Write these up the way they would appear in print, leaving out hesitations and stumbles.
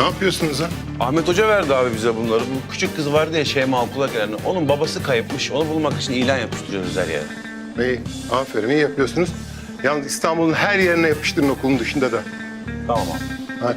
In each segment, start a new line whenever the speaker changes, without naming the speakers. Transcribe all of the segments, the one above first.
Ne yapıyorsunuz ha?
Ahmet Hoca verdi abi bize bunları. Bu küçük kız vardı ya Şeyma okula gelen. Onun babası kayıpmış. Onu bulmak için ilan yapıştırıyoruz her yere.
İyi, aferin, iyi yapıyorsunuz. Yalnız İstanbul'un her yerine yapıştırın, okulun dışında da.
Tamam abi.
Hadi.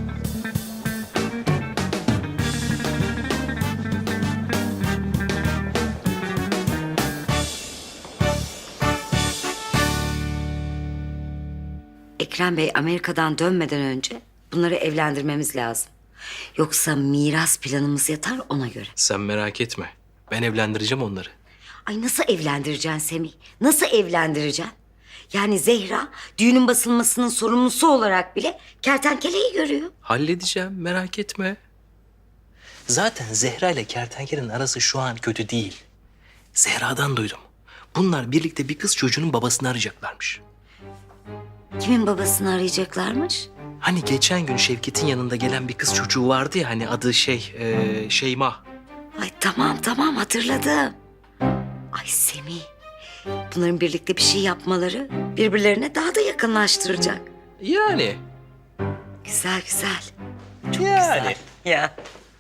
Ekrem Bey Amerika'dan dönmeden önce bunları evlendirmemiz lazım. Yoksa miras planımız yatar ona göre.
Sen merak etme. Ben evlendireceğim onları.
Ay nasıl evlendireceksin Semih? Nasıl evlendireceksin? Yani Zehra düğünün basılmasının sorumlusu olarak bile kertenkeleyi görüyor.
Halledeceğim, merak etme. Zaten Zehra ile kertenkelenin arası şu an kötü değil. Zehra'dan duydum. Bunlar birlikte bir kız çocuğunun babasını arayacaklarmış.
Kimin babasını arayacaklarmış?
Hani geçen gün Şevket'in yanında gelen bir kız çocuğu vardı ya, hani adı Şeyma.
Ay tamam hatırladım. Ay Semih. Bunların birlikte bir şey yapmaları birbirlerine daha da yakınlaştıracak.
Yani.
Güzel.
Yani.
Ya.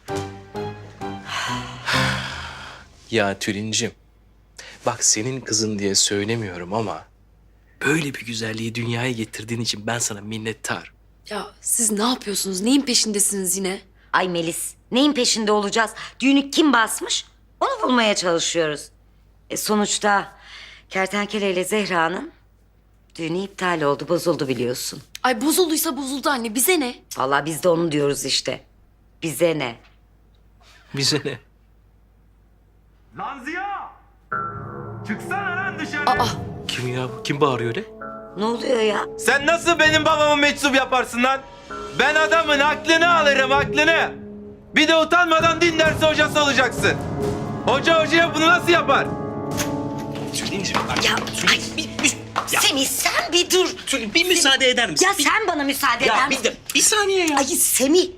Ya Tülincim, bak senin kızın diye söylemiyorum ama böyle bir güzelliği dünyaya getirdiğin için ben sana minnettarım.
Ya siz ne yapıyorsunuz? Neyin peşindesiniz yine?
Ay Melis, neyin peşinde olacağız? Düğünü kim basmış? Onu bulmaya çalışıyoruz. Sonuçta Kertenkele ile Zehra'nın düğünü iptal oldu, bozuldu biliyorsun.
Ay bozulduysa bozuldu anne. Bize ne?
Vallahi biz de onu diyoruz işte. Bize ne?
Bize ne?
Lan Ziya! Çıksana lan dışarı.
Kim ya? Kim bağırıyor öyle?
Ne oluyor ya?
Sen nasıl benim babamı meczup yaparsın lan? Ben adamın aklını alırım, aklını. Bir de utanmadan din dersi hocası olacaksın. Hoca hocaya bunu nasıl yapar?
Tülincim bak.
Ya, ay, Semih sen bir dur.
Bir müsaade eder misin?
Ya sen bana müsaade eder misin?
Bir saniye ya.
Ay Semih.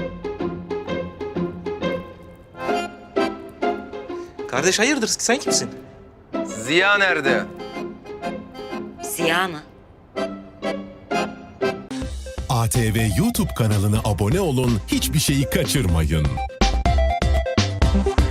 Kardeş hayırdır, sen kimsin?
Ziya nerede?
Ziya mı?
ATV YouTube kanalına abone olun, hiçbir şeyi kaçırmayın.